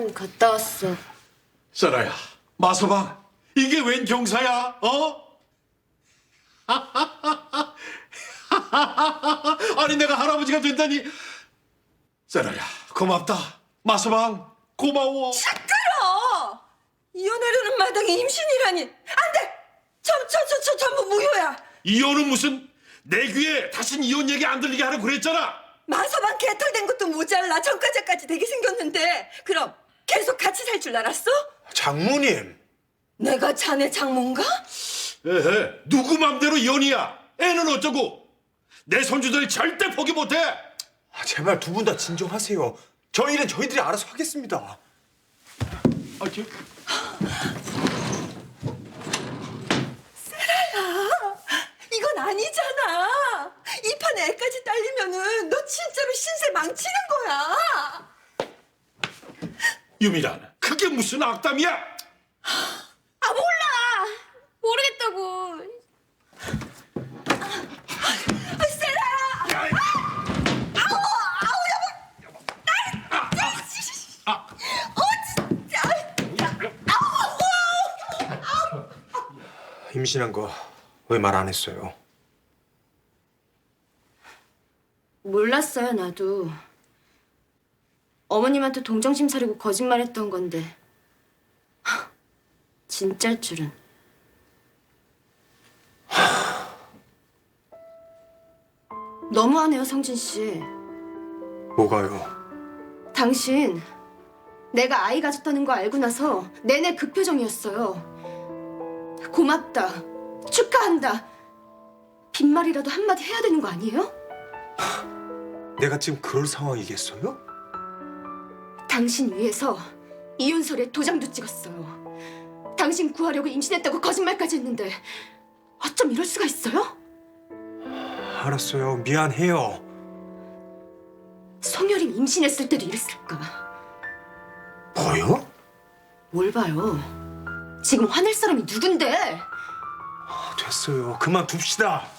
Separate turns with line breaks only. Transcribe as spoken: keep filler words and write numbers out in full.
병원 갔다 왔어.
썰아야, 마서방, 이게 웬 경사야? 어? 아니 내가 할아버지가 된다니. 썰아야, 고맙다. 마서방, 고마워.
시끄러! 이혼하려는 마당에 임신이라니. 안 돼! 저, 저, 저, 저 전부 무효야.
이혼은 무슨, 내 귀에 다신 이혼 얘기 안 들리게 하라고 그랬잖아.
마서방 개털된 것도 모자라 전과자까지 되게 생겼는데 그럼 계속 같이 살 줄 알았어?
장모님.
내가 자네 장모인가?
에헤, 누구 맘대로 이혼이야. 애는 어쩌고. 내 손주들 절대 포기 못해.
아, 제발 두 분 다 진정하세요. 저희 일은 저희들이 알아서 하겠습니다.
아, 저...
이건 아니잖아. 이 판에 애까지 딸리면은 너 진짜로 신세 망치는 거야.
유미란, 그게 무슨 악담이야?
아 몰라. 모르겠다고.
아, 세라야. 아우, 아우, 여보. 나, 나, 어, 진짜.
임신한 거 왜 말 안 했어요?
몰랐어요, 나도. 어머님한테 동정심 사려고 거짓말했던 건데. 하, 진짜일 줄은. 너무하네요, 성진 씨.
뭐가요?
당신 내가 아이 가졌다는 거 알고 나서 내내 그 표정이었어요. 고맙다. 축하한다. 빈말이라도 한마디 해야 되는 거 아니에요?
내가 지금 그럴 상황이겠어요?
당신 위해서 이혼서류에 도장도 찍었어요. 당신 구하려고 임신했다고 거짓말까지 했는데 어쩜 이럴 수가 있어요?
알았어요. 미안해요.
송여림 임신했을 때도 이랬을까?
뭐요?
뭘 봐요? 지금 화낼 사람이 누군데?
아, 됐어요. 그만 둡시다.